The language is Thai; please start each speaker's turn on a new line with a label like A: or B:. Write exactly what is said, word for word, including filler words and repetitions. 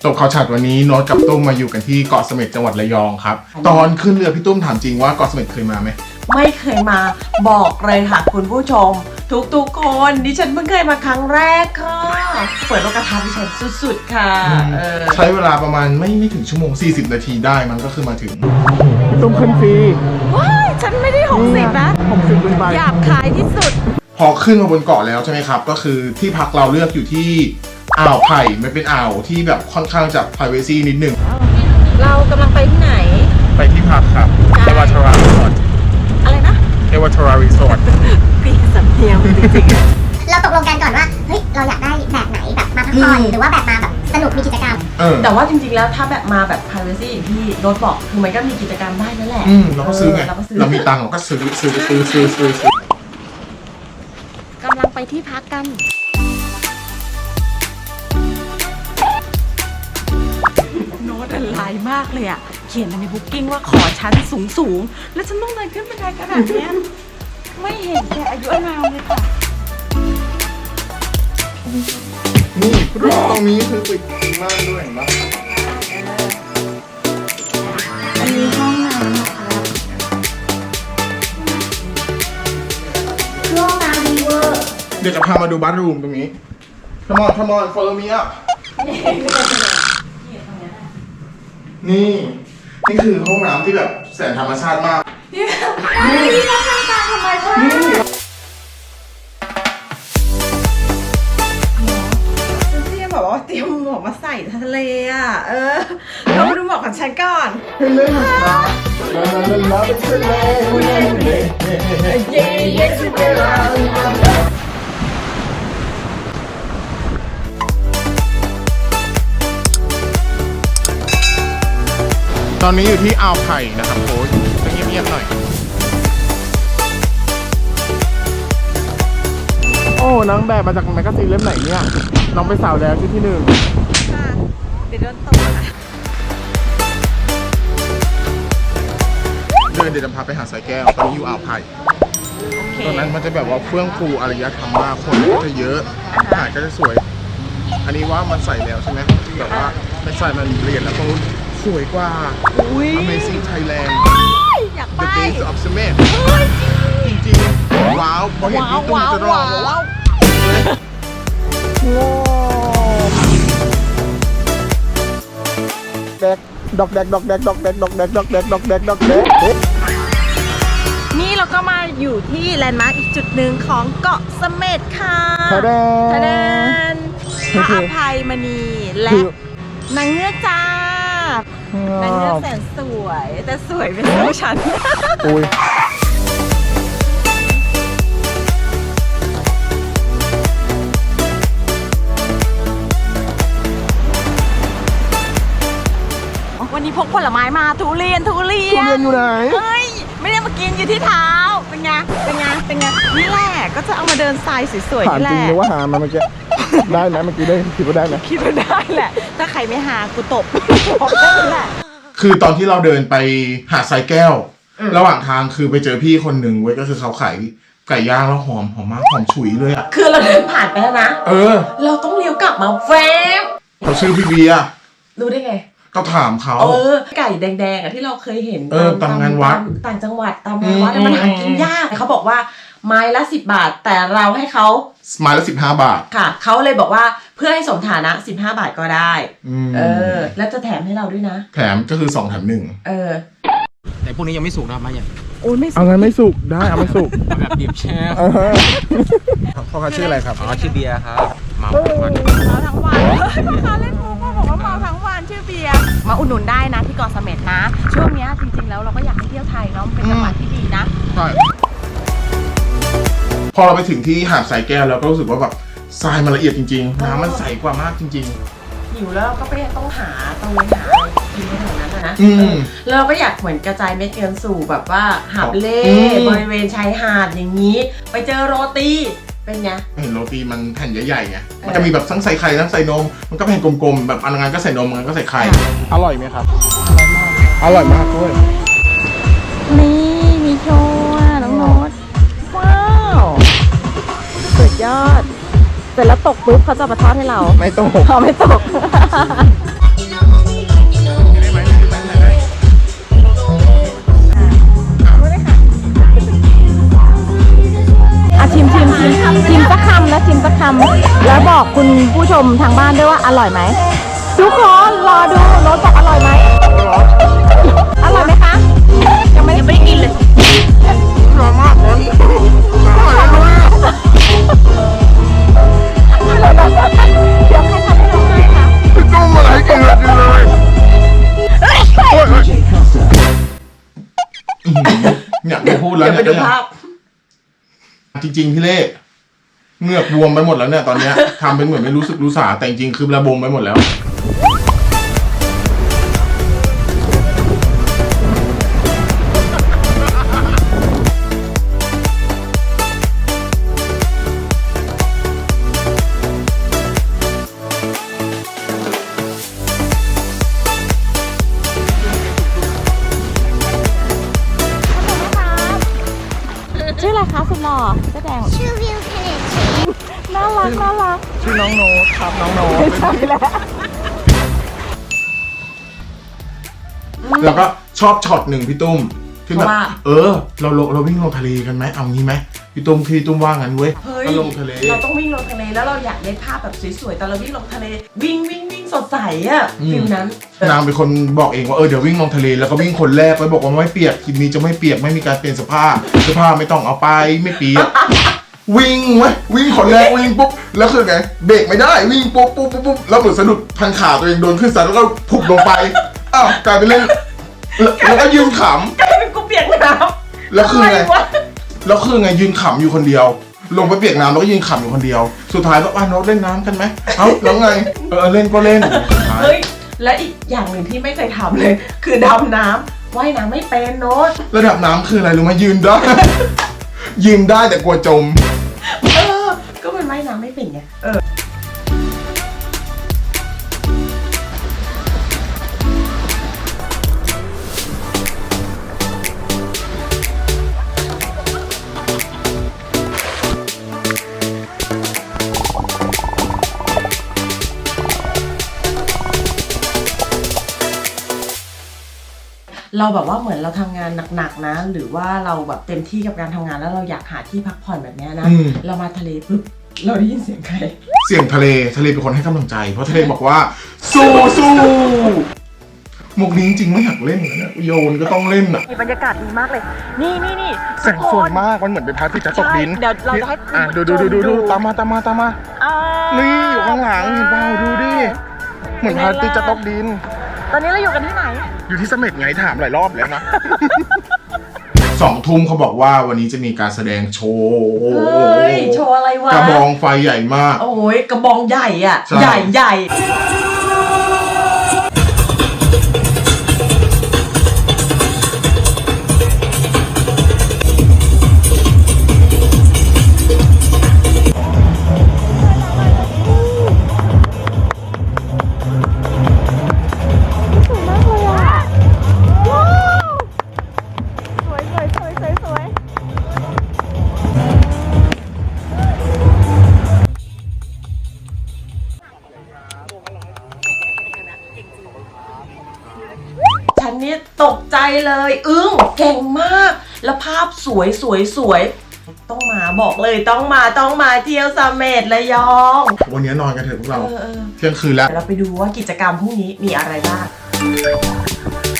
A: ตบข่าวฉัดวันนี้โน้ตกับตุ้มมาอยู่กันที่เกาะเสม็ดจังหวัดระยองครับตอนขึ้นเรือพี่ตุ้มถามจริงว่าเกาะเสม็ดเคยมาไหม
B: ไม่เคยมาบอกเลยค่ะคุณผู้ชมทุกๆคนดิฉันเพิ่งเคยมาครั้งแรกค่ะเปิดโลกทัศน์ดิฉันสุดๆค่ะ
A: ใช้เวลาประมาณไม่ไม่ถึงชั่วโมงสี่สิบนาทีได้มันก็คือมาถึง
C: พี่ตุ้มขึ้นฟรี
B: ว้ายฉันไม่ได้หกสิบนะ
C: หกสิบเป็นใบ
B: หยาบคายที่สุด
A: พอขึ้นมาบนเกาะแล้วใช่ไหมครับก็คือที่พักเราเลือกอยู่ที่อ่าวไผ่ไม่เป็นอ่าวที่แบบค่อนข้างจะ privacy นิดนึง
B: เรากำลังไปที่ไหน
A: ไปที่พักครับเอวาทารารีสอร์ท
B: อะไรนะ
A: เอวาทารารีสอร์ท
B: ปีสำเนียงจริง
D: ๆเราตกลงกันก่อนว่าเฮ้ยเราอยากได้แบบไหนแบบมาพักผ่อนหรือว่าแบบมาแบบสนุกมีกิจกรรม
B: แต่ว่าจริงๆแล้วถ้าแบบมาแบบ privacy อย่างที่โน้ตบอกคือมันก็มีกิจกรรมได้นั่นแหละ
A: อืมเราก็ซื้อไงเรามีตังค์เราก็ซื้อซื้อซื้อซื้อซื้อซื้
B: อกำลังไปที่พักกันโน้ตอะไรมากเลยอ่ะเขียนในบุ๊กกิ้งว่าขอชั้นสูงสูงแล้วฉันต้องเดินขึ้นบันไดขนาดนี้ไม่เห็นแกอายุอานามเลยค่ะ
A: นี่รูปตรงนี้คือปิดม่านด้วยเห็นปะ
B: อันนี้ห้องน้ำนะคะห้องน้ำดีเวอร์
A: เดี๋ยวจะพามาดูบัธรูมตรงนี้ Come on come on follow me up นี่นี่คือห้องน้ำที่แบบแสนธรรมชาติมาก
B: นี่นี่ก็ทางการธรรมชาติพี่บอกว่าเตรียมหมวกมาใส่ทะเลอ่ะเออเราไปดูหมวกของฉันก่อน
A: ทะเลลาลาลาเป็นทะเลเย้เย้ทะเลลาตอนนี้อยู่ที่อ่าวไผ่นะครับโค้ชต้องเงียบๆหน่อย
C: โอ้นางแบบมาจากแมกกาซีนเล่มไหนเนี่ยน้องไปสาวแล้วที่ที่หนึ่ง
B: ค่ะเดี๋ยวโดนตกนะ
A: เดินเดี๋ยวจะพาไปหาสายแก้วตอนนี้อยู่อ่าวไผ่ตอนนั้นมันจะแบบว่าเฟื่องฟูอารยธรรมมากคนก็จะเยอะหาดก็จะสวยอันนี้ว่ามันใส่แล้วใช่ไหมแบบว่าไม่ใส่มันเปลี่ยนแล้วตรงนู้นสวยกว่า Amazing Thailand
B: อยากไป
A: The Days of Cement จริงๆว้าวพอเห็นพี่ตุ้มจะร้องว้าว
C: แดกดอกแดกดอกแดกดอกแดกดอกแดกดอกแดกดอกแดกดอกแดก
B: นี่เราก็มาอยู่ที่แลนด์มาร์คอีกจุดหนึ่งของเกาะเสม็ดค่ะ
C: ทะเล
B: ทะเลพระอภัยมณีและนางเงือกจ้านางเงือกแสนสวยแต่สวยเป็นผู้ฉัน
C: อุ้ย
B: วันนี้พกผลไม้มาทุเรียนทุเรียน
C: ทุเรียนอยู่ไหน
B: เฮ้ยไม่ได้มากินอยู่ที่เท้าเป็นไงเป็นไงเป็นไงนี่แหละก็จะเอามาเดินทรายสวยๆนี่แหละ
C: ถามจริงเลยว่าหามาเมื่อกี้ได้ไหมเมื่อกี้ได้คิดว่าได้ไหม
B: คิดว่าได้แหละถ้าใครไม่หากูตบบอกได้แหละ
A: คือตอนที่เราเดินไปหาดทรายแก้วระหว่างทางคือไปเจอพี่คนหนึ่งเว้ยก็คือเขาขายไก่ย่างแล้วหอมหอมมากหอมฉุยเลยอ่ะ
B: คือเราเดินผ่านไปแล้วนะ
A: เออ
B: เราต้องเลี้ยวกลับมาแฟบ
A: เขาชื่อพี่เบียร์
B: รู้ได้ไง
A: ก็ถามเขา
B: เออไก่แดงๆอ่ะที่เราเคยเห็น
A: เออตามงานวัด
B: ต่างจังหวัดตามงานวัดมันหากินยากเขาบอกว่าไม้ละสิบบาทแต่เราให้เขา
A: ไม้ละสิบห้าบาท
B: ค่ะเขาเลยบอกว่าเพื่อให้สมฐานะสิบห้าบาทก็ได้เออแล้วจะแถมให้เราด้วยนะ
A: แถมก็คือสองแถมหนึ่ง
B: เออ
E: แต่พวกนี้ยังไม่สุกนะมาอย่าง
B: โอ้ยไม่สุก
C: เอางั้นไม่สุกได้เอาไม่สุก
E: แบบดิบแช่
A: พ่อเขาชื่ออะไรครับ
E: อ๋อชื่อเบียร์ครับเมาทั้งวัน
B: เมาทั้งวันพ่อค้าเล่นมุกพ่อบอกว่าเมาทั้งวันชื่อเบียร์มาอุดหนุนได้นะที่เกาะเสม็ดนะช่วงนี้จริงๆแล้วเราก็อยากให้เที่ยวไทยเนาะเป็นจังหวัดที่ดีนะ
A: ใช่พอเราไปถึงที่หาดทรายแก้วแล้วก็รู้สึกว่าแบบทรายมันละเอียดจริงๆน้ำมันใสกว่ามากจริง
B: ๆหิวแล้วก็ไปต้องหาตรงนี้หากินในแถวนั้นนะเราก็อยากเหมือนกระจายเม็ดเงินสู่แบบว่าหาบเล่บริเวณชายหาดอย่างนี้ไปเจอโรตีเป็นไง
A: เห็นโรตีมันแผ่นใหญ่ๆไงมันจะมีแบบทั้งใส่ไข่ทั้งใส่นมมันก็แผ่นกลมๆแบบอันงานก็ใส่นมอันงานก็ใส่ไข่
C: อร่อยไหมครับอร่อยมากด้วย
B: นี่มีโชว์น้องโน้ตว้าวสุดยอดเสร็จแล้วตกปุ๊บเขาจะมาทอดให้เรา
C: ไม่ตก
B: เขาไม่ตก
F: แล้วบอกคุณผู้ชมทางบ้านด้วยว่าอร่อยไหมทุกคนรอดูโน้ตบอกอร่อยไหมอร่อยไหมคะยังไม่ได้กินเลย
A: อร่อยมากเลยอร่อยมาก
F: เดี๋ยวใครทำให้น้องให้คะ
A: ต้องมาให้กินเลยเลยเนี่ยไม่พูดแล้ว
B: เดี๋ยวไป
A: เนี่ย
B: ดูภาพ
A: จริงๆพี่เล่เหงือกบวมไปหมดแล้วเนี่ยตอนเนี้ยทำเป็นเหมือนไม่รู้สึกรู้สาแต่จริงๆคือระบมไปหมดแล้ว
F: ชื่ออะไรคะสุดหล่อเสื้อแดง
D: ชื่อวิวเทน
F: น่ารักน่ารัก
A: ชื่อน้องโน้ตครับน้องโน้ต
F: ใช่แล้ว
A: แล้วก็ชอบช็อตหนึ่งพี่ตุ้มที่แบบ
B: ว่า
A: เออ เราเราเราวิ่งลงทะเลกันไหมเอางี้ไหมพี่ตุ้มพี่ตุ้มว่างั้นเว้ย
B: เฮ้ย
A: ก็ลงทะเล
B: เราต้องวิ่งลงทะเลแล้วเราอยากได้ภาพแบบสวยๆตอนเราวิ่งลงทะเล วิ่งวิ่งวิ่งสดใสอะฟิลนั้น
A: นางเป็นคนบอกเองว่าเออเดี๋ยววิ่งลงทะเลแล้วก็วิ่งคนแรกไว้บอกว่าไม่เปียกคลิปนี้จะไม่เปียกไม่มีการเปลี่ยนเสื้อผ้าเสื้อผ้าไม่ต้องเอาไปไม่เปียก วิ่งเว้ยวิ่งคนแรกวิ่งปุ๊บแล้วคือไงเบรกไม่ได้วิ่งปุ๊บปุ๊บปุ๊บปุ๊บแล้วเหมือนสะดุดพันขาตัวเองโดนขึ้นซันแล้วก็ผุบลงไปอ้าวกลายเป็นเล่นแล้วแล้วก็ยืนข
B: กลายเป็นกูเปียกน้
A: ำแล้ว
B: ำ
A: คือไง
B: ะรวะ
A: แล้วคือไงยืนขำอยู่คนเดียว ลงไปเปียกน้ำแล้วก็ยืนขำอยู่คนเดียว สุดท้ายก็อ่ะโน้ตเล่นน้ำกันไหมเอ้าแล้วไงเออเล่นก็เล่นสุดท้าย
B: เฮ้ย และอีกอย่างหนึ่งที่ไม่เคยทำเลย คือดำน้ำว่ายน้ำไม่เป็นโน้ต
A: ระดับน้ำคืออะไรรู้ไหมยืนได้ ยืนได้แต่กลัวจม
B: เออ ก็มันว่ายน้ำไม่เป็นไงเออ เราแบบว่าเหมือนเราทำงานหนักๆนะ หรือว่าเราแบบเต็มที่กับการทำงานแล้วเราอยากหาที่พักผ่อนแบบเนี้ยนะ
A: อืม
B: เรามาทะเลปุ๊บเราได้ยินเสียงใคร
A: เสียงทะเลทะเลเป็นคนให้กำลังใจ เพราะทะเลบอกว่า สู้สู้มุกนี้จริงๆไม่อยากเล่นนะเนี่ยโยนก็ต้องเล่นอ่ะ
F: บรรยากาศดีมากเลย นี่นี่นี่
A: แสงสวยมากมันเหมือนเป็นพระอาทิตย์จะตกดิน
F: ใช่เดี๋ยวเราจะให้
A: อ่ะดูดูดูดูดูตามมาตามมาตามมา
F: อ่า
A: นี่อยู่ข้างหลังเห็นเปล่าดูดิเหมือนพระอาทิตย์จะตกดิน
F: ตอนนี้เราอยู่กันที่ไหน
A: อยู่ที่เสม็ดไงถามหลายรอบแล้วนะ สองทุ่มเขาบอกว่าวันนี้จะมีการแสดงโชว์
B: เฮ้ย โชว์อะไรวะ
A: กระบองไฟใหญ่มาก
B: โอ้ยกระบองใหญ่อ่ะ
A: ใช่
B: ใหญ่ใหญ่
F: สวยมากเลยอ่ะว้าวสวยสวยสวยสวยสวย
B: ฉันนี่ตกใจเลย อึ้งเก่งมาก แล้วภาพสวยสวยสวยต้องมาบอกเลยต้องมาต้องมาเที่ยวเสม็ดระยอง
A: วันนี้นอนกันเถอะพวกเรา
B: เออเออ
A: เที่ยงคืนแล้ว
B: เดี๋ยวเราไปดูว่ากิจกรรมพรุ่งนี้มีอะไรบ้าง